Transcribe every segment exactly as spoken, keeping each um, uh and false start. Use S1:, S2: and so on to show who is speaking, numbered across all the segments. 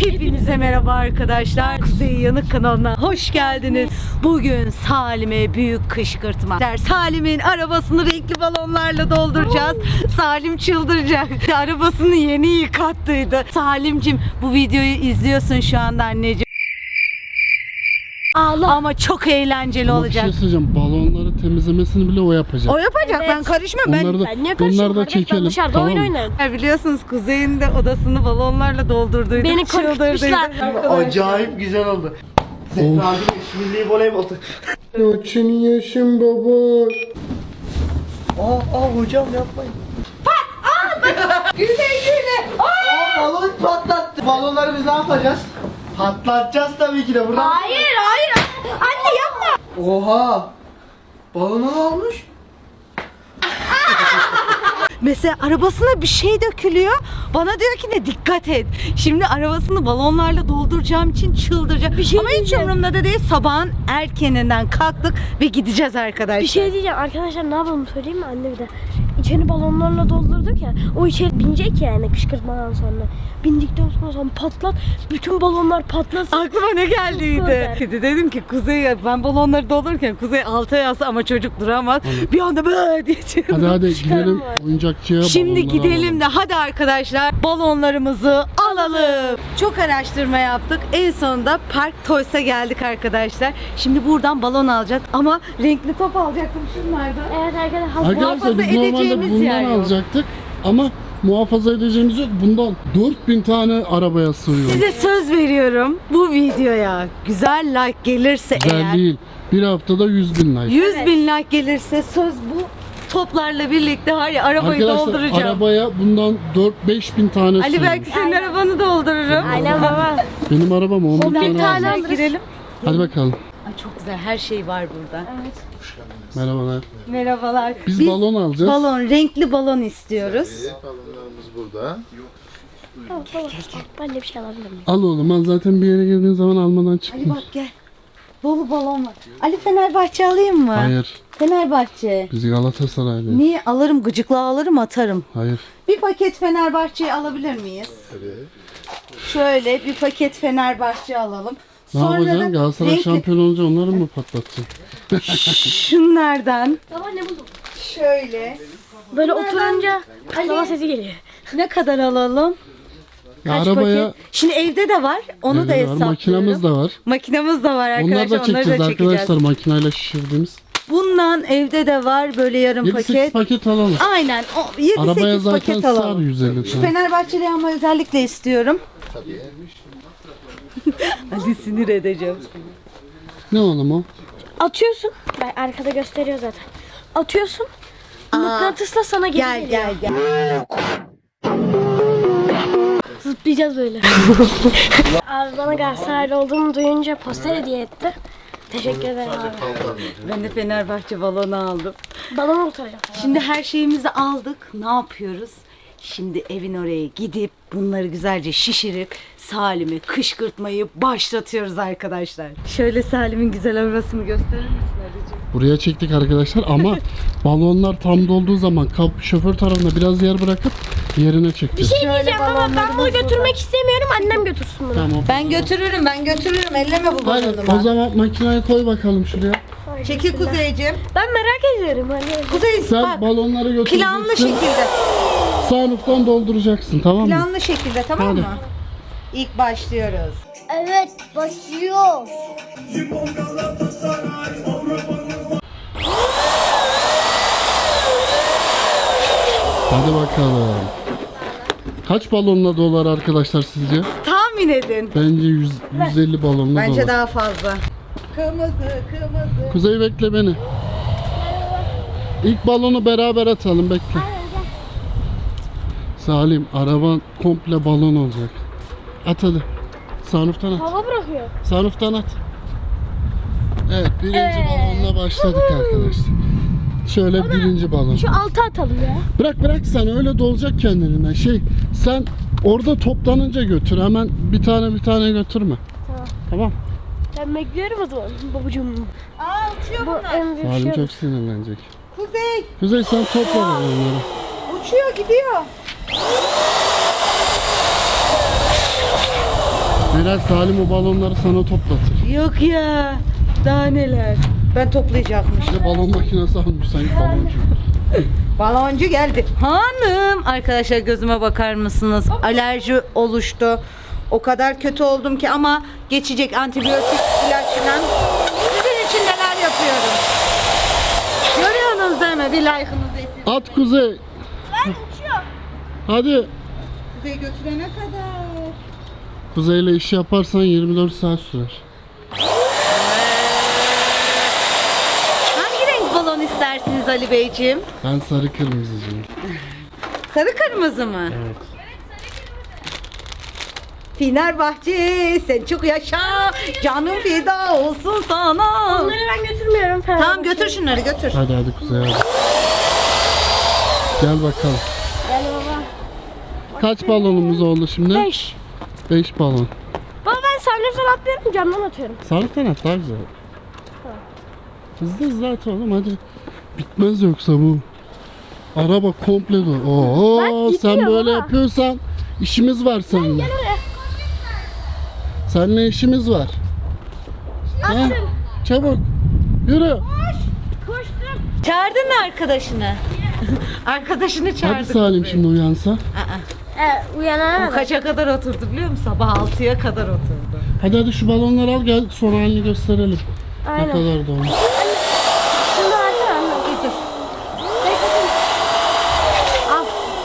S1: Hepinize merhaba arkadaşlar. Kuzey Yanık kanalına hoş geldiniz. Bugün Salim'e büyük kışkırtma. Salim'in arabasını renkli balonlarla dolduracağız. Salim çıldıracak. Arabasını yeni yıkattıydı. Salimcim, bu videoyu izliyorsun şu anda anneciğim. Allah. Ama çok eğlenceli
S2: Ama
S1: olacak.
S2: Bir şey söyleyeceğim. Balonları temizlemesini bile o yapacak.
S1: O yapacak.
S3: Evet.
S1: Ben karışmam. Ben
S2: Onları da,
S3: Ben niye
S2: onları
S3: karışıyorum
S2: da
S3: kardeş? Ben
S2: çekelim.
S3: dışarıda
S2: Tamam
S3: oyun
S2: mı?
S3: oynarım.
S1: Ya biliyorsunuz Kuzey'in de odasını balonlarla doldurduydu.
S3: Beni korkutmuşlar.
S4: Acayip güzel oldu. Zehra gibi milli voleybol.
S2: Yaşın yaşın baba.
S4: Aa, aa hocam yapmayın.
S1: Güle güle.
S4: Aa, balon patlattı. Balonları biz ne yapacağız? Patlatacağız tabii ki de buradan.
S3: Hayır hayır. Anne yapma.
S4: Oha. Balona ne olmuş?
S1: Mesela arabasına bir şey dökülüyor. Bana diyor ki ne, dikkat et. Şimdi arabasını balonlarla dolduracağım için çıldıracak.
S3: Bir şey
S1: Ama hiç
S3: diyeceğim.
S1: umurumda da değil. Sabahın erkeninden kalktık ve gideceğiz arkadaşlar.
S3: Bir şey diyeceğim arkadaşlar, ne yapalım söyleyeyim mi anne bir de. İçeri balonlarla doldurduk ya. O içeri binecek yani kışkırtmadan sonra. Bindikten sonra patlat. Bütün balonlar patlasın.
S1: Aklıma ne geldiydi?
S3: Süper.
S1: Dedim ki Kuzey, ben balonları doldururken Kuzey alta yazsa ama çocuk duramaz. Bir anda böyle diye çığırdı.
S2: Hadi hadi gidelim
S3: var.
S2: oyuncakçıya.
S1: Şimdi
S2: balonları
S1: gidelim
S2: alalım.
S1: de hadi arkadaşlar balonlarımızı alalım. Çok araştırma yaptık. En sonunda Park Toys'a geldik arkadaşlar. Şimdi buradan balon alacağız ama renkli top alacaktım şunlardan.
S3: Evet arkadaşlar.
S2: Arkadaşlar
S1: muhafaza
S2: biz normalde
S1: edeceğimiz yer
S2: bundan
S1: yok.
S2: alacaktık ama muhafaza edeceğimiz yok. Bundan dört bin tane arabaya sığıyor.
S1: Size söz veriyorum, bu videoya güzel like gelirse
S2: Güzel
S1: eğer,
S2: değil. Bir haftada yüz bin like.
S1: yüz bin like gelirse söz bu toplarla birlikte var ya arabayı
S2: Arkadaşlar
S1: dolduracağım.
S2: arabaya bundan dört beş bin tane
S1: Ali
S2: sığıyor.
S1: belki senin arabanı doldururum.
S3: Aynen baba.
S2: Benim arabam on bin
S3: bin
S2: tane
S3: tane
S2: alacak.
S3: alırız.
S1: Girelim.
S2: Hadi bakalım.
S1: Ay çok güzel, her şey var burada.
S3: Evet.
S2: Merhabalar.
S1: Merhabalar.
S2: Biz, balon alacağız.
S1: balon, renkli balon istiyoruz.
S5: Balonlarımız burada.
S3: Baba, baba. Ben de bir şey alabilir miyim?
S2: Al oğlum, al, zaten bir yere girdiğin zaman almadan
S1: Ali
S2: çıkma.
S1: bak gel. Dolu balon var. Ali Fenerbahçe alayım mı?
S2: Hayır.
S1: Fenerbahçe.
S2: Biz Galatasaraylıyız.
S1: Niye? Alırım, gıcıkla alırım, atarım.
S2: Hayır.
S1: Bir paket Fenerbahçe'yi alabilir miyiz?
S5: Tabii.
S1: Şöyle bir paket Fenerbahçe alalım.
S2: Ne
S1: Sonra
S2: yapacaksın?
S1: da
S2: Galatasaray
S1: renkli-
S2: şampiyon olunca onları mı patlatacaksın?
S1: şunlardan
S3: Baba ne buldum?
S1: şöyle
S3: Böyle oturunca patlama sesi geliyor.
S1: ne kadar alalım?
S2: Ya
S1: Kaç
S2: arabaya
S1: paket? Şimdi evde de var. Onu
S2: evde
S1: da
S2: var,
S1: hesaplıyorum.
S2: makinamız da var.
S1: Makinamız da var arkadaşlar.
S2: Onları da çekeceğiz arkadaşlar, makinayla şişirdiğimiz.
S1: Bundan evde de var böyle yarım
S2: yedi sekiz
S1: paket.
S2: paket alalım.
S1: Aynen. O yedi
S2: Arabaya
S1: sekiz
S2: zaten
S1: paket
S2: sar
S1: alalım.
S2: yüz elli
S1: Şu
S2: tane.
S1: Fenerbahçeli ama özellikle istiyorum.
S5: Tabii.
S1: Hadi sinir edeceğim.
S2: Ne oğlum o?
S3: Atıyorsun. Bak arkada gösteriyor zaten. Atıyorsun. Mıknatısla sana geri
S1: Gel
S3: geliyor.
S1: gel gel.
S3: Zıplayacağız böyle. Abi bana Galatasaraylı olduğumu duyunca poster hediye etti. Teşekkür ederim abi.
S1: Ben de Fenerbahçe balonu aldım.
S3: Balonu kurtaracağım.
S1: Şimdi her şeyimizi aldık. Ne yapıyoruz? Şimdi evin oraya gidip bunları güzelce şişirip Salim'e kışkırtmayı başlatıyoruz arkadaşlar. Şöyle Salim'in güzel arabasını gösterir misin Ali'ciğim?
S2: Buraya çektik arkadaşlar ama balonlar tam dolduğu zaman kap, şoför tarafına biraz yer bırakıp yerine çekeceğiz.
S3: Bir şey diyeceğim ama ben bunu götürmek istemiyorum. Annem götürsün bunu.
S2: Tamam.
S1: Ben götürürüm, ben götürürüm. Elleme bu
S2: Hadi o
S1: balonumu.
S2: zaman makinayı koy bakalım şuraya.
S1: Çekil Kuzeyciğim.
S3: Ben merak ediyorum. Hani.
S1: Kuzey
S2: Sen
S1: bak.
S2: balonları götüreceksin.
S1: Planlı şekilde.
S2: Sağlıktan dolduracaksın, tamam mı?
S1: Planlı şekilde, tamam
S2: Hadi.
S1: mı? İlk başlıyoruz.
S3: Evet başlıyor.
S2: Hadi bakalım. Kaç balonla dolar arkadaşlar sizce?
S1: Tahmin edin.
S2: Bence yüz, yüz elli balonla
S1: Bence
S2: dolar.
S1: daha fazla. Kırmızı, kırmızı.
S2: Kuzey bekle beni. İlk balonu beraber atalım, bekle. Salim, araban komple balon olacak. At hadi. Sunroof'tan at.
S3: Hava bırakıyor.
S2: Sunroof'tan at. Evet, birinci balonla başladık arkadaşlar. Şöyle birinci balon.
S3: Şu altı atalım ya.
S2: Bırak bırak, sen öyle dolacak kendiliğinden. Şey, sen orada toplanınca götür. Hemen bir tane bir tane götürme.
S3: Tamam.
S2: Tamam.
S3: Ben bekliyorum o zaman babacığım.
S1: Aa uçuyor
S3: Bu
S1: bunlar.
S3: en büyük
S2: Salim
S3: şey.
S2: çok sinirlenecek.
S1: Kuzey
S2: Kuzey sen topla balonları.
S1: uçuyor gidiyor.
S2: Meral, Salim o balonları sana toplatır.
S1: Yok ya. Daha neler. Ben toplayacakmışım.
S2: İşte balon makinesi almış sanki baloncu.
S1: Baloncu geldi. Hanım. Arkadaşlar gözüme bakar mısınız? Alerji oluştu. O kadar kötü oldum ki ama geçecek, antibiyotik ilaçla. Sizin için neler yapıyorum. Görüyorsunuz değil mi? Bir like'ınızı esir.
S2: At Kuzey.
S3: Ben uçuyorum.
S2: Hadi.
S1: Kuzey götürene kadar.
S2: Kuzeyle iş yaparsan yirmi dört saat sürer.
S1: Hangi renk balon istersiniz Ali Beyciğim?
S2: Ben sarı kırmızıcıyım.
S1: Sarı kırmızı mı?
S2: Evet.
S1: Fenerbahçe sen çok yaşa. Canım feda olsun sana.
S3: Onları ben götürmüyorum.
S1: Tamam götür şunları götür.
S2: Hadi hadi Kuzey hadi. Gel bakalım.
S3: Gel baba.
S2: Kaç balonumuz oldu şimdi?
S3: Beş.
S2: beş balon.
S3: Baba ben sarnıftan atlıyorum, camdan atıyorum.
S2: Sarı kanat daha güzel. Hızlı hızlı at oğlum hadi. Bitmez yoksa bu. Araba komple dolu. Oo,
S3: Bak,
S2: sen
S3: gidiyor
S2: böyle
S3: baba.
S2: yapıyorsan işimiz var seninle.
S3: Gel oraya.
S2: Seninle işimiz var. Ha? Çabuk. Yürü.
S3: Koştum.
S1: Çağırdın mı arkadaşını? Arkadaşını çağırdık.
S2: Hadi Salim
S1: Kuzey.
S2: şimdi uyansa.
S3: Ee, uyanana
S1: O
S3: kadar.
S1: kaça kadar oturdu biliyor musun? Sabah altıya kadar oturdu.
S2: Hadi hadi şu balonları al gel son halini gösterelim. Ne
S3: Aynen.
S2: kadar da olmuş.
S3: Şunu versene anne.
S1: Getir. Al.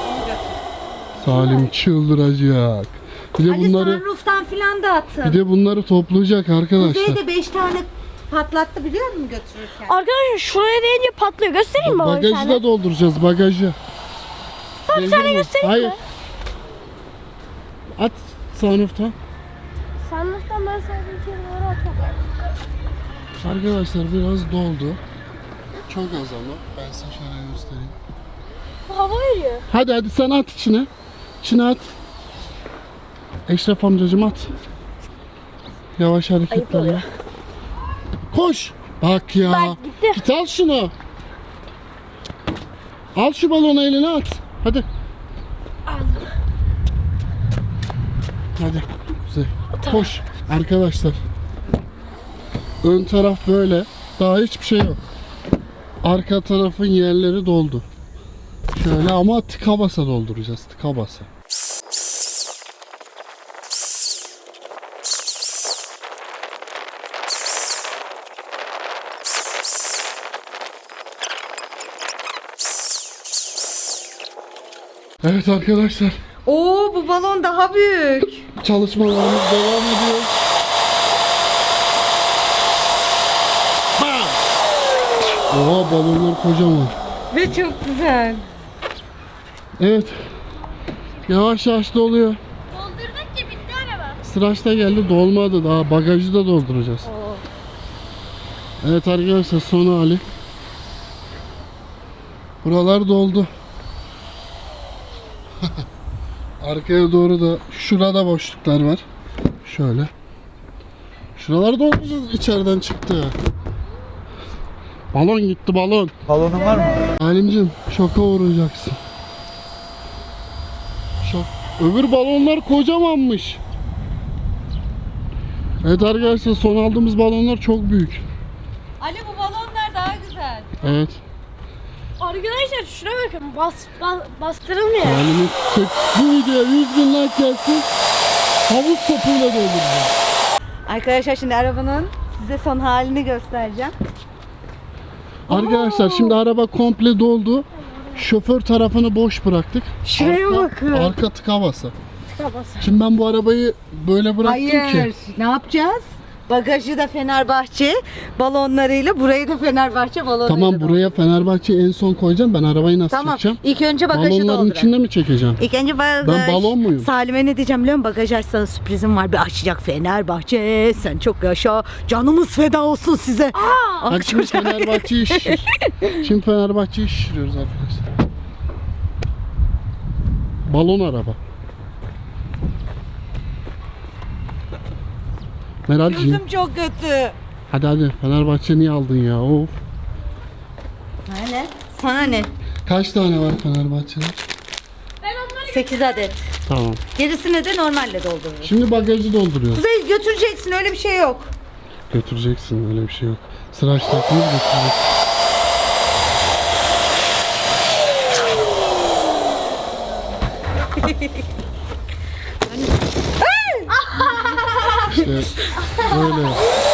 S2: Salim çıldıracak. Bir de
S1: Ali
S2: bunları
S1: sunroof'tan filan da attın.
S2: bir de bunları toplayacak arkadaşlar.
S1: Kuzey de beş tane patlattı biliyor musun götürürken?
S3: Arkadaşlar şuraya değince patlıyor. Göstereyim baba bir
S2: Bagajı
S3: tane.
S2: da dolduracağız bagajı.
S3: Baba bir tane göstereyim
S2: Hayır.
S3: mi?
S2: At sunroof'ta.
S3: Sarnıftan ben sadece içeri doğru atıyorum.
S2: Arkadaşlar biraz doldu. Çok az ama. Ben size şöyle göstereyim.
S3: Bu hava veriyor.
S2: Hadi hadi sen at içine. İçine at. Eşref amcacım at. Yavaş hareketlerle.
S3: oluyor.
S2: Koş. Bak ya.
S3: Bak, gitti.
S2: Git al şunu. Al şu balonu eline at. Hadi. Hadi. Kuzey. Koş. Arkadaşlar. Ön taraf böyle. Daha hiçbir şey yok. Arka tarafın yerleri doldu. Şöyle ama tıka basa dolduracağız. Tıka basa. Evet arkadaşlar.
S1: Oo bu balon daha büyük.
S2: Çalışmalarımız devam ediyor. Bam! Oha balonlar kocaman.
S1: Ve çok güzel.
S2: Evet. Yavaş yavaş doluyor.
S3: Doldurduk ki bitti araba.
S2: Sıraç da geldi dolmadı daha bagajı da dolduracağız. Evet arkadaşlar son hali. Buralar doldu. Arkaya doğru da şurada boşluklar var. Şöyle. Şuraları dolduracağız içeriden çıktı. Balon gitti balon.
S4: Balonun var mı?
S2: Halimcim şoka uğrayacaksın. Şok. Öbür balonlar kocamanmış. Evet arkadaşlar son aldığımız balonlar çok büyük.
S1: Ali bu balonlar daha güzel.
S2: Evet.
S3: Arkadaşlar şuna bakın. Bas, bas, bastırılmıyor.
S2: Halim'i çek. Bu videoya yüz bin like gelsin. Havuz topuyla dolduracağım.
S1: Arkadaşlar şimdi arabanın size son halini göstereceğim.
S2: Arkadaşlar şimdi araba komple doldu. Şoför tarafını boş bıraktık.
S1: Şuraya
S2: arka,
S1: bakın.
S2: Arka tıka basa.
S3: Tıka bas.
S2: Şimdi ben bu arabayı böyle bıraktım
S1: Hayır.
S2: ki.
S1: Ne yapacağız? Bagajı da Fenerbahçe balonlarıyla, burayı da Fenerbahçe balonlarıyla.
S2: Tamam buraya Fenerbahçe en son koyacağım. Ben arabayı nasıl
S1: Tamam.
S2: çekeceğim?
S1: İlk önce bagajı
S2: Balonların
S1: dolduralım.
S2: içinde mi çekeceğim?
S1: İlk önce bagaj.
S2: Ben balon muyum?
S1: Salim'e ne diyeceğim biliyor musun? Bagaj açsana sürprizim var. Bir açacak Fenerbahçe. Sen çok yaşa. Canımız feda olsun size. Aa!
S2: Bak şimdi Fenerbahçe'yi şişir. Şimdi Fenerbahçe'yi şişiriyoruz arkadaşlar. Balon araba. Meralciğim.
S1: Gözüm çok kötü.
S2: Hadi hadi Fenerbahçe niye aldın ya? Of.
S1: Sana ne? Sana ne?
S2: Kaç tane var Fenerbahçe'de?
S3: Ben onları
S1: sekiz adet.
S2: Tamam.
S1: Gerisine de normalle doldururuz.
S2: Şimdi bagajı dolduruyoruz.
S1: Kuzey götüreceksin, öyle bir şey yok.
S2: Götüreceksin, öyle bir şey yok. Sıraç takımız götürecek. İşte böyle.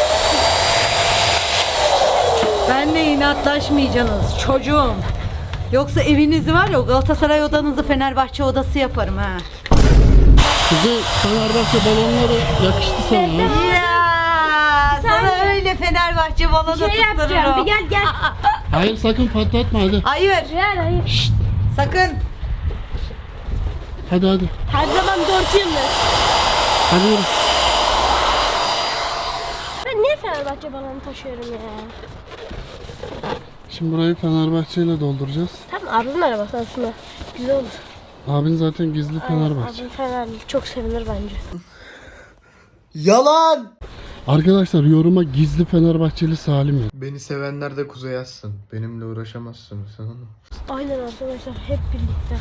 S1: Benle inatlaşmayacaksınız çocuğum. Yoksa evinizi var ya, Galatasaray odanızı Fenerbahçe odası yaparım ha.
S2: Kuzey, Fenerbahçe balonları yakıştı sana. ha?
S1: Ya sana öyle Fenerbahçe balonu
S3: Şey yapacağım. Bir
S1: tuttururum.
S3: gel gel.
S2: Hayır, sakın patlatma hadi.
S1: Hayır,
S3: Hayır hayır.
S1: sakın.
S2: Hadi hadi.
S3: Her zaman dört yıldır.
S2: Hadi yürü.
S3: Ben niye Fenerbahçe balonu taşıyorum ya?
S2: Şimdi burayı Fenerbahçe ile dolduracağız.
S3: Tamam abimin arabası aslında. Güzel olur.
S2: Abin zaten gizli Fenerbahçe.
S3: Abim Fenerli. Çok sevinir bence.
S4: Yalan.
S2: Arkadaşlar yoruma gizli Fenerbahçeli Salim ya.
S5: Beni sevenler de Kuzey yazsın. Benimle uğraşamazsınız sen onu.
S3: Aynen arkadaşlar hep birlikte.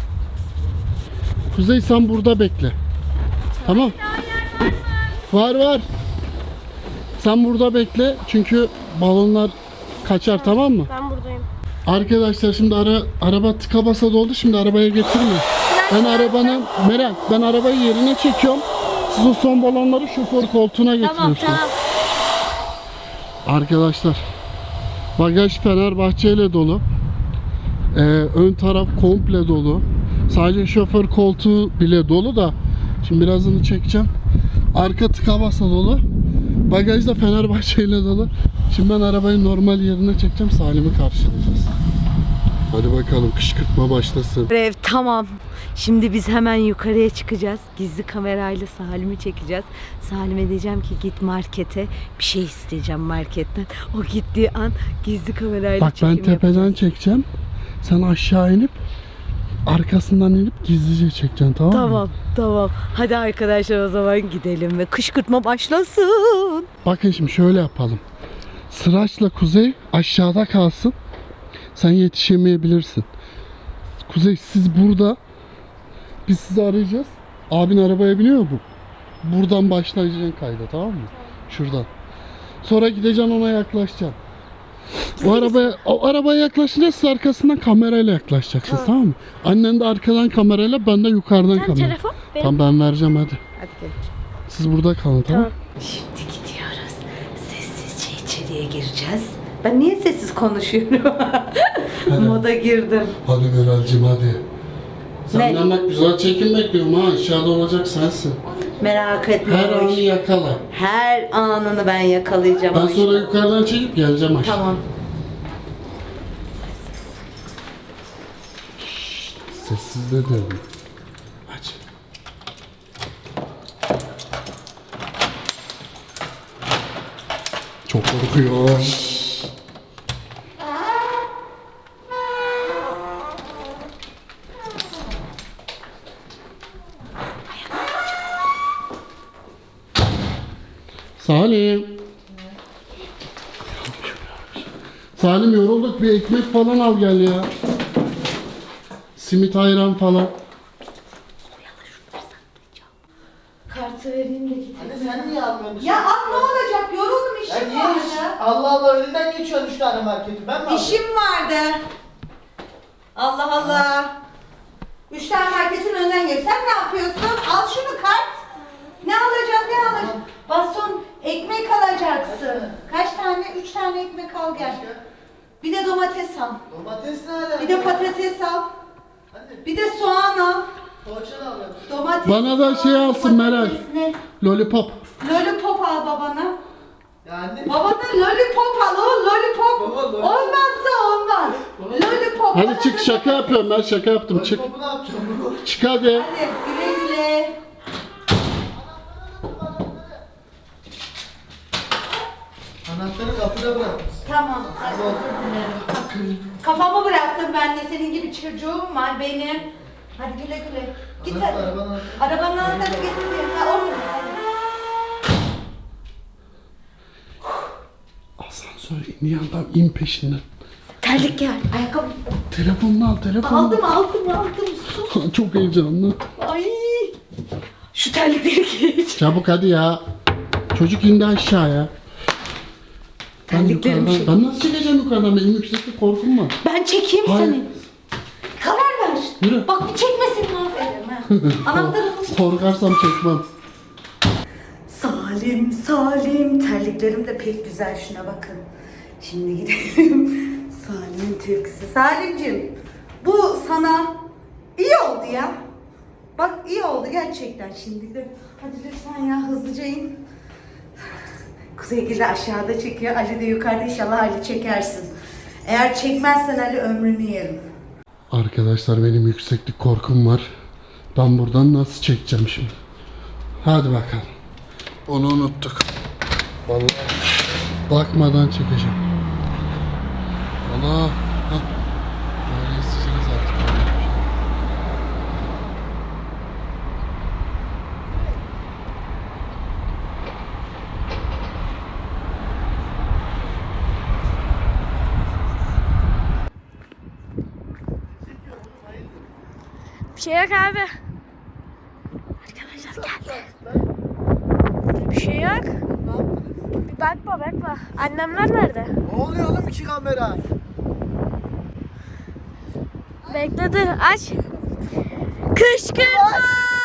S2: Kuzey sen burada bekle. Tamam. Var var. Sen burada bekle çünkü balonlar kaçar, tamam mı?
S3: Ben buradayım.
S2: Arkadaşlar şimdi ara, araba tıka basa doldu, şimdi arabaya getirme. Ben arabanın, Meral ben arabayı yerine çekiyorum. Siz o son balonları şoför koltuğuna
S3: Tamam
S2: getiriyorsunuz.
S3: tamam.
S2: Arkadaşlar bagaj Fenerbahçe ile dolu. Ee, ön taraf komple dolu. Sadece şoför koltuğu bile dolu da. Şimdi birazını çekeceğim. Arka tıka basa dolu. Bagaj da Fenerbahçe ile dolu. Şimdi ben arabayı normal yerine çekeceğim. Salim'i karşılayacağız. Hadi bakalım kışkırtma başlasın.
S1: Ev tamam. Şimdi biz hemen yukarıya çıkacağız. Gizli kamerayla Salim'i çekeceğiz. Salim'e diyeceğim ki git markete, bir şey isteyeceğim marketten. O gittiği an gizli kamerayla
S2: Bak ben
S1: çekim
S2: tepeden
S1: yapacağız.
S2: çekeceğim. Sen aşağı inip arkasından inip gizlice çekeceksin, tamam mı?
S1: Tamam, tamam. Hadi arkadaşlar o zaman gidelim ve kışkırtma başlasın.
S2: Bakın şimdi şöyle yapalım. Sıraçla Kuzey aşağıda kalsın. Sen yetişemeyebilirsin. Kuzey siz burada. Biz sizi arayacağız. Abin arabaya biniyor mu? Buradan başlayacaksın kayda, tamam mı? Şuradan. Sonra gideceksin, ona yaklaşacaksın. O arabaya, o arabaya yaklaşınca siz arkasından kamerayla yaklaşacaksınız, tamam, mı? Annen de arkadan kamerayla, ben de yukarıdan
S3: Sen
S2: kamera.
S3: telefon benim.
S2: Tamam ben vereceğim hadi.
S1: Hadi gel.
S2: Siz burada kalın, tamam mı?
S1: Şimdi gidiyoruz. Sessizce içeriye gireceğiz. Ben niye sessiz konuşuyorum? Moda girdim.
S2: Hadi Meral'cim hadi.
S1: Ne?
S2: Senden bak güzel çekim bekliyorum ha. Aşağıda olacak sensin.
S1: Merak etme.
S2: Her
S1: o
S2: anı
S1: iş.
S2: yakala.
S1: Her anını ben yakalayacağım.
S2: Ben
S1: o iş.
S2: sonra yukarıdan çekip geleceğim aşağı.
S1: Tamam.
S2: Sessiz de dedim. Aç. Çok korkuyor. Salim. Salim yorulduk, bir ekmek falan al gel ya. Simit ayran falan.
S1: Kartı vereyim de gideyim.
S4: Anne sen niye almıyorsun?
S1: Ya at ne olacak? Yoruldum,
S4: Ya
S1: işim
S4: niye hiç-
S1: vardı.
S4: Allah Allah önünden geçiyorsun üç tane marketi. Ben mi alayım?
S1: İşim vardı. Allah Allah. Üç tane marketin önünden geç. Sen ne yapıyorsun? Al şunu kart. Ne alacaksın? Ne alacaksın? Baston ekmek alacaksın. Kaç tane? Üç tane ekmek al gel. Bir de domates al.
S4: Domates ne alaka?
S1: Bir de patates al.
S4: Anne
S1: Bir de soğan al.
S4: poğaça da alıyorum.
S1: Domates.
S2: Bana da
S1: soğan,
S2: şey alsın Meral.
S1: patates ne?
S2: Lollipop.
S1: Lollipop al babana.
S4: Ya anne.
S1: Babana lollipop al o lollipop.
S4: Baba, lollipop.
S1: Olmazsa olmaz. Lollipop.
S2: Hadi
S1: bana
S2: çık,
S1: da-
S2: şaka yapıyorum, ben şaka yaptım, çık.
S4: Lollipopu ne yapacağım bunu?
S2: Çık hadi.
S1: Hadi güle güle.
S4: Anahtarı kapıda bırakmışsın.
S1: Tamam. Hadi özür dilerim. Kafamı bıraktım ben de, senin gibi çocuğum var benim. Hadi güle güle. Git
S4: Anahtar,
S1: hadi.
S4: arabanın anahtarı.
S1: Arabanın anahtarını getireyim. Ha, orada.
S2: Asansör iniyor adam, in peşinden.
S1: Terlik gel. Ayakkabı.
S2: Telefonunu al, telefonunu.
S1: Aldım aldım aldım. Sus.
S2: Çok heyecanlı.
S1: Ay Şu terlikleri giy.
S2: Çabuk hadi ya. Çocuk indi aşağıya. Ben,
S1: Terliklerim
S2: yukarıdan,
S1: şey-
S2: ben nasıl çıkacağım yukarıdan? Benim yükseklik korkum var.
S1: Ben çekeyim
S2: Hayır.
S1: seni. Karar ver.
S2: Yürü.
S1: Bak bir çekmesin mahvederim ha. Anahtarı
S2: Korkarsam çekmem.
S1: Salim, Salim. Terliklerim de pek güzel. Şuna bakın. Şimdi gidelim. Salim'in türküsü. Salim'cim, bu sana iyi oldu ya. Bak iyi oldu gerçekten. Şimdi de hadi lütfen ya hızlıca in. Kuzeygil de aşağıda çekiyor. Ali de yukarıda, inşallah Ali çekersin. Eğer çekmezsen Ali ömrünü yerim.
S2: Arkadaşlar benim yükseklik korkum var. Ben buradan nasıl çekeceğim şimdi? Hadi bakalım. Onu unuttuk. Vallahi bakmadan çekeceğim. Allah. Hah. Böyle isteyeceğiz artık.
S3: Bir şey yok abi. Arkadaşlar geldi. Bir şey yok. Bir bakma bakma. Annemler nerede?
S4: Ne oluyor oğlum iki kamera?
S3: Bekle dur aç. Kışkırtma.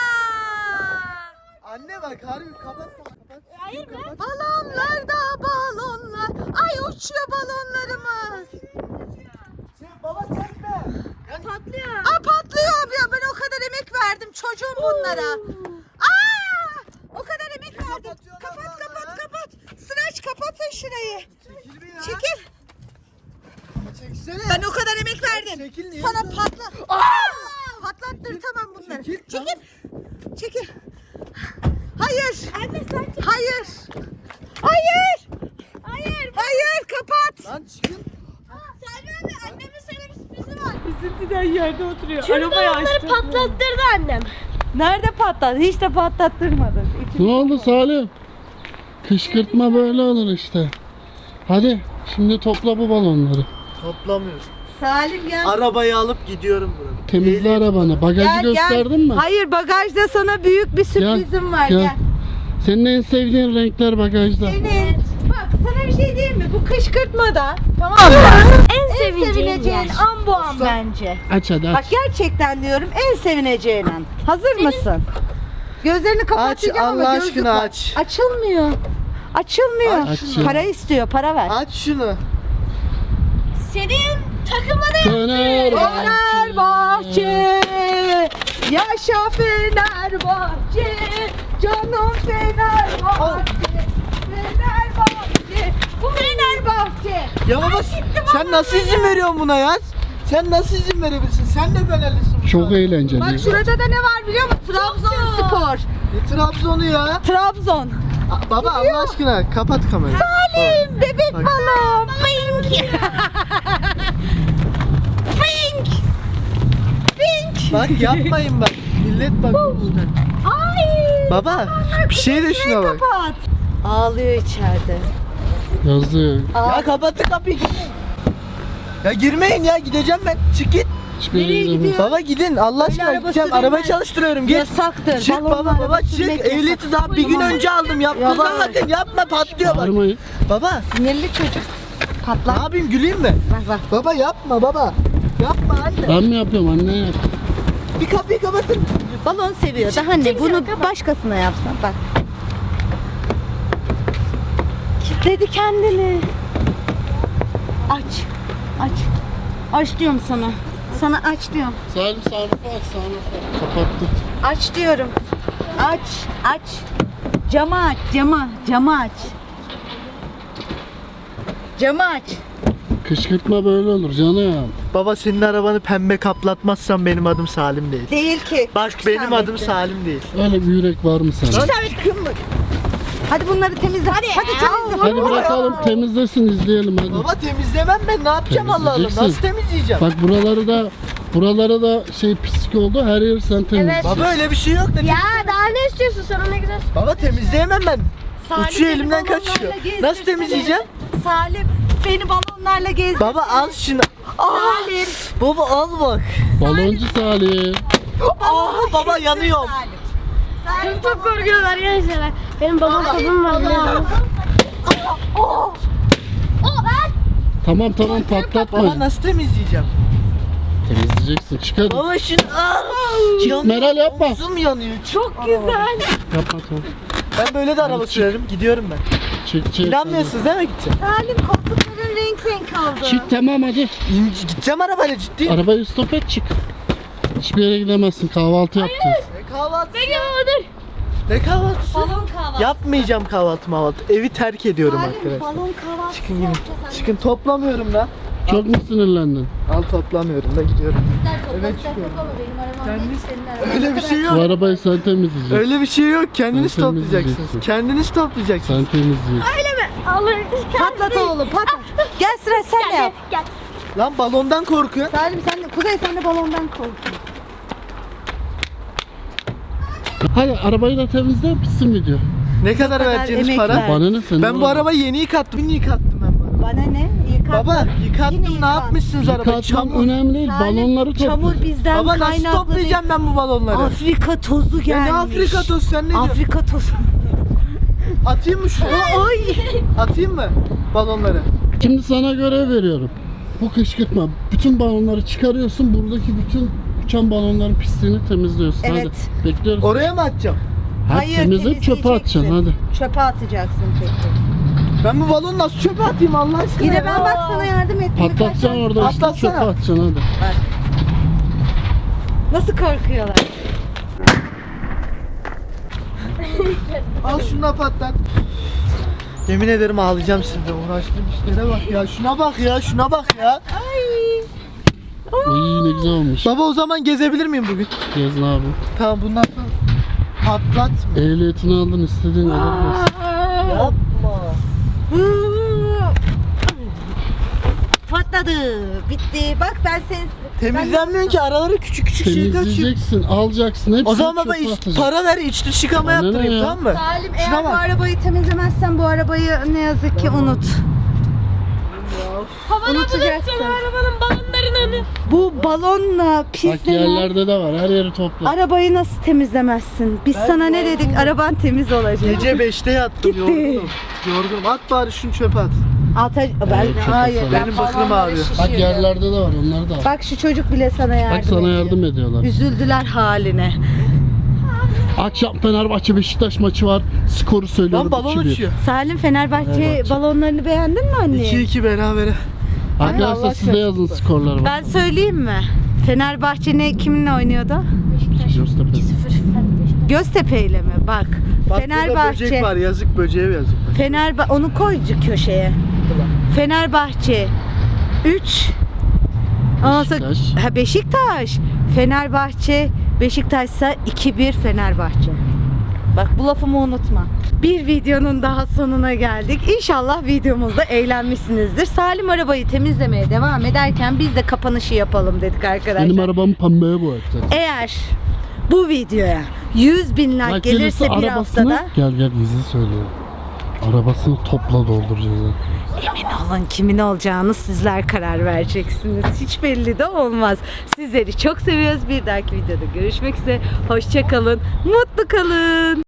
S4: Anne bak harbi kapat kapat.
S3: Hayır be.
S1: Balonlar da balonlar. Ay uçuyor balonlarımız.
S4: Sen baba çekme.
S3: Patlıyor.
S1: Aa patlıyor ya, ben o kadar emek verdim çocuğum bunlara. Aa! O kadar emek verdim.
S4: Kapatıyorlar
S1: Kapat
S4: vallahi
S1: kapat
S4: ya.
S1: kapat. Sıraç kapatın şurayı.
S4: Çekil bir ya.
S1: Çekil.
S4: Çeksene.
S1: Ben o kadar emek verdim.
S4: Çekil niye?
S1: Sana patla. Aa! Patlattır tamam bunları.
S4: Çekil,
S1: Çekil. Çekil. Hayır. Anne sen çekil. Hayır. Hayır. Hayır. Hayır kapat.
S4: Lan çıkın.
S1: Selma abi, annemin sana bir sürprizi var.
S6: Üzüntüden yerde oturuyor.
S3: Tüm
S6: Arabayı
S3: balonları
S6: açtı.
S3: patlattırdı annem.
S1: Nerede patladı? Hiç de patlattırmadın.
S2: Ne oldu Salim? Kışkırtma böyle olur işte. Hadi şimdi topla bu balonları.
S4: Toplamıyorum.
S1: Salim gel.
S4: Arabayı alıp gidiyorum buradan.
S2: Temizle arabanı. Bagajı gösterdin mi?
S1: Hayır, bagajda sana büyük bir sürprizim var. Gel.
S2: Senin en sevdiğin renkler bagajda.
S1: Senin. Bak sana bir şey diyeyim mi? Bu kışkırtmada tamam mı?
S3: En,
S1: En
S3: sevineceğim
S1: sevineceğin
S3: yer.
S1: an bu an bence.
S2: Aç hadi
S1: Bak
S2: aç.
S1: gerçekten diyorum, en sevineceğin an. Hazır mısın? Gözlerini kapatacağım
S4: Aç,
S1: ama
S4: Allah
S1: gözlük
S4: aşkına
S1: var.
S4: aç.
S1: Açılmıyor. Açılmıyor.
S2: Aç şunu.
S1: Para istiyor, para ver.
S4: Aç şunu.
S3: Senin takımını
S2: Fenerbahçe.
S1: Fenerbahçe, yaşa Fenerbahçe, canım Fenerbahçe, Fenerbahçe, bu Fenerbahçe.
S4: Ya baba sen nasıl izin veriyorsun buna ya? Sen nasıl izin verebilirsin? Sen de Fenerlisin.
S2: Çok eğlenceli.
S1: Bak şurada da ne var biliyor musun? Trabzonspor.
S4: Ne Trabzon'u ya?
S1: Trabzon.
S4: A- Baba Allah aşkına kapat kamerayı.
S1: Salim, bebek
S4: Bak.
S1: balon. Pink. Pink. Pink.
S4: Bak yapmayın bak. Millet bak.
S1: Ay.
S4: Baba bir şey de şuna bak.
S1: Kapat. Ağlıyor içeride.
S2: Yazık.
S4: Ya kapatın kapıyı. Ya girmeyin ya gideceğim ben. Çık git.
S2: Hiçbir yere
S1: Nereye
S2: gidemez.
S1: gidiyor?
S4: Baba gidin Allah aşkına
S1: araba
S4: gideceğim.
S1: sürülmez.
S4: Arabayı çalıştırıyorum git.
S1: Yasaktır.
S4: Çık
S1: Balonla
S4: baba
S1: araba
S4: baba çık.
S1: sürmek yasak.
S4: Ehliyeti daha bir gün önce aldım. Yapma zaten yapma patlıyor bak.
S2: Bağırmayın.
S4: Baba
S1: Sinirli çocuk.
S4: ne
S1: Patlar.
S4: yapayım güleyim mi?
S1: Bak bak.
S4: Baba yapma baba. Yapma anne.
S2: Ben mi yapıyorum anne yap.
S4: Bir kapıyı kapatın.
S1: Balon seviyor. Daha ne? Bunu başkasına yapsan. Bak. Kilitledi kendini. Aç. Aç. Aç diyorum sana. Sana aç diyorum.
S2: Salim sarfı aç sarfı. Kapattı.
S1: Aç diyorum. Aç. Aç. Camı aç. Camı. Camı aç. Camı aç.
S2: Kışkırtma böyle olur canım.
S4: Baba senin arabanı pembe kaplatmazsan benim adım Salim değil.
S1: Değil ki.
S4: Bak benim adım Salim değil.
S2: Öyle bir yürek var mı sana?
S1: İsabet kırmızı. Hadi bunları temizle. Hadi. Hadi temizle.
S2: Hadi bırakalım temizlesin izleyelim hadi.
S4: Baba temizlemem ben ne yapacağım Allah Allah.
S2: Temizleyeceksin.
S4: Nasıl temizleyeceğim?
S2: Bak buraları da buraları da şey pislik oldu. Her yeri sen temizle.
S4: Baba öyle bir şey yok da.
S3: Ya daha ne istiyorsun sana ne güzel.
S4: Baba temizleyemem ben.
S1: Salim
S4: Uçuyor
S1: beni
S4: elimden
S1: balonlarla
S4: kaçıyor.
S1: gezdirsene.
S4: Nasıl temizleyeceğim?
S1: Salim beni balonlarla gezdir.
S4: Baba al şunu.
S1: Salim.
S4: Baba al bak.
S2: Baloncu Salim.
S4: Aa baba yanıyorum.
S1: Salim.
S3: Benim çok korkuyorlar gençler. Benim balon tadım var biliyorsunuz.
S2: Tamam tamam patlatma.
S4: Baba nasıl temizleyeceğim?
S2: Temizleyeceksin. Çık hadi.
S4: Baba şunu al. Yanıyor.
S2: Meral yapma.
S4: Omzum yanıyor.
S3: Çok güzel.
S2: Yapma tamam.
S4: Ben böyle de araba sürerim. Gidiyorum ben.
S2: Çık çık.
S4: İnanmıyorsunuz değil mi gideceğim?
S1: Salim koltukların renk renk oldu.
S2: Çık tamam hadi.
S4: İnci, gideceğim arabayla ciddi.
S2: Arabayı stop et çık. Hiçbir yere gidemezsin. Kahvaltı yapacağız.
S4: Ne kahvaltısı?
S3: Peki dur.
S4: Ne kahvaltısı?
S1: Balon kahvaltı.
S4: Yapmayacağım kahvaltı mahvaltı. Evi terk ediyorum
S1: Salim
S4: arkadaşlar.
S1: balon kahvaltısı
S4: Çıkın gidin.
S1: yapacağız anne.
S4: Çıkın toplamıyorum da.
S2: Çok mu sinirlendin?
S4: Al toplamıyorum da gidiyorum.
S1: Bizler topla,
S4: Evet,
S1: bizler
S4: çıkıyorum.
S1: toplama. Benim arabam
S4: Kendiniz-
S1: değil, senin araban.
S4: Öyle bir şey
S2: Bu
S4: yok.
S2: arabayı sen temizleyeceksin.
S4: Öyle bir şey yok. Kendiniz
S2: Sen
S4: toplayacaksınız.
S2: temizleyeceksin.
S4: Kendiniz toplayacaksınız.
S2: Sen temizleyeceksin.
S3: Alır.
S1: Patlat oğlum patlat. Gel sıra sen de yap.
S3: Gel.
S4: Lan balondan korkuyor.
S1: Salim sen de, Kuzey sen de balondan kork.
S2: Hadi arabayı da temizle bitsin video.
S4: Ne kadar
S1: kadar
S4: vereceğiniz
S1: emek
S4: para?
S1: ver.
S2: Bana ne senin?
S4: Ben bu arabayı yeni yıkattım. Yeni yıkattım ben bu arabayı.
S1: Bana ne? Yıkat.
S4: Baba
S1: Yine
S4: yıkattım. Ne
S1: yıkat.
S4: yapmışsınız arabayı?
S2: Yıkatmam
S4: Çamur.
S2: önemli değil.
S1: Salim,
S2: Balonları
S1: çamur
S2: topla.
S1: bizden
S4: Baba nasıl
S1: kaynaklı
S4: toplayacağım ben bu balonları?
S1: değil. Afrika tozu
S4: Ya
S1: gelmiş.
S4: ne Afrika tozu sen ne diyorsun?
S1: Afrika tozu.
S4: Atayım mı şunu?
S1: Oy.
S4: Atayım mı balonları?
S2: Şimdi sana görev veriyorum. Bu kışkırtma. Bütün balonları çıkarıyorsun. Buradaki bütün uçan balonların pisliğini temizliyorsun.
S1: Evet.
S2: Hadi. Bekliyoruz.
S4: Oraya mı atacağım?
S2: Hadi
S1: Hayır,
S2: temizleyip çöpe
S1: temizleyeceksin.
S2: atacaksın hadi.
S1: Çöpe atacaksın peki.
S4: Ben bu balonu nasıl çöpe atayım Allah aşkına?
S1: Yine
S4: ya?
S1: ben bak sana yardım ettim. Birkaç
S2: Patlatacaksın
S1: tane-
S2: orada işte
S4: Patlatsana.
S2: çöpe atacaksın hadi.
S1: Bak. Nasıl korkuyorlar?
S4: Al şunu da patlat. Yemin ederim ağlayacağım şimdi. Uğraştığım işlere bak ya. Şuna bak ya. Şuna bak ya.
S2: İyi ne güzel olmuş.
S4: Baba o zaman gezebilir miyim bugün?
S2: Gezin abi.
S4: Tamam bundan sonra patlatma.
S2: Ehliyetini aldın istediğin alabilirsin.
S4: Yapma.
S1: Patladı. Bitti. Bak ben seni...
S4: Temizlenmiyor ki araları küçük küçük şey kaçıyor.
S2: Temizleyeceksin, alacaksın. Hepsini
S4: O zaman baba
S2: çöpe
S4: iç,
S2: atacaksın.
S4: para ver iç dış yıkama
S2: Bana ne
S4: yaptırayım
S2: ya?
S4: tamam mı?
S1: Salim
S4: Şuna
S1: eğer bu
S4: bak.
S1: arabayı temizlemezsen bu arabayı ne yazık ki unut. Unutacaksın.
S3: Arabanın balonlarını.
S1: Bu balonla
S2: Bak
S1: pislenen
S2: yerlerde de var. Her yeri topla.
S1: arabayı nasıl temizlemezsin? Biz
S4: Ben
S1: sana ne
S4: yorgunum.
S1: dedik? Araban temiz olacak.
S4: Gece beşte yattım
S1: Gitti.
S4: yorgunum. Yorgunum. At bari şunu çöpe at.
S1: Ata ben
S2: Evet, çok
S1: hayır.
S2: güzel.
S1: ben
S4: Benim bıklım
S1: balonları
S4: ağrıyor.
S2: Bak
S1: şişiriyorum.
S2: yerlerde de var. Onları da al.
S1: Bak şu çocuk bile sana yardım
S2: Bak sana
S1: ediyor.
S2: yardım ediyorlar.
S1: Üzüldüler haline.
S2: Akşam Fenerbahçe Beşiktaş maçı var. Skoru söylüyorum.
S4: Lan balon
S2: iki bir.
S4: uçuyor.
S1: Salim Fenerbahçe
S2: Fenerbahçe.
S1: balonlarını beğendin mi anne?
S4: iki iki berabere.
S2: Arkadaşlar
S4: Allah
S2: siz de yazın skorları.
S1: Ben söyleyeyim mi? Fenerbahçe ne kiminle oynuyordu?
S2: Göztepe.
S1: Göztepe ile mi? Bak.
S4: Bak burada
S1: Fenerbahçe.
S4: böcek var yazık böceğe yazık.
S1: Fenerba onu koy köşeye. Fenerbahçe üç. Ondan sonra-
S2: Beşiktaş.
S1: Ha, Beşiktaş. Fenerbahçe Beşiktaş'sa iki bir Fenerbahçe. Bak bu lafımı unutma. Bir videonun daha sonuna geldik. İnşallah videomuzda eğlenmişsinizdir. Salim arabayı temizlemeye devam ederken biz de kapanışı yapalım dedik arkadaşlar.
S2: Benim arabamı pembeye boyatacak.
S1: Eğer bu videoya yüz bin like
S2: Bak
S1: gelirse
S2: gelirse
S1: bir
S2: arabasını-
S1: haftada
S2: Gel gel bizi söylüyorum. Arabasını topla dolduracağız. ha.
S1: emin olun kimin olacağını sizler karar vereceksiniz. Hiç belli de olmaz. Sizleri çok seviyoruz. Bir dahaki videoda görüşmek üzere. Hoşça kalın. Mutlu kalın.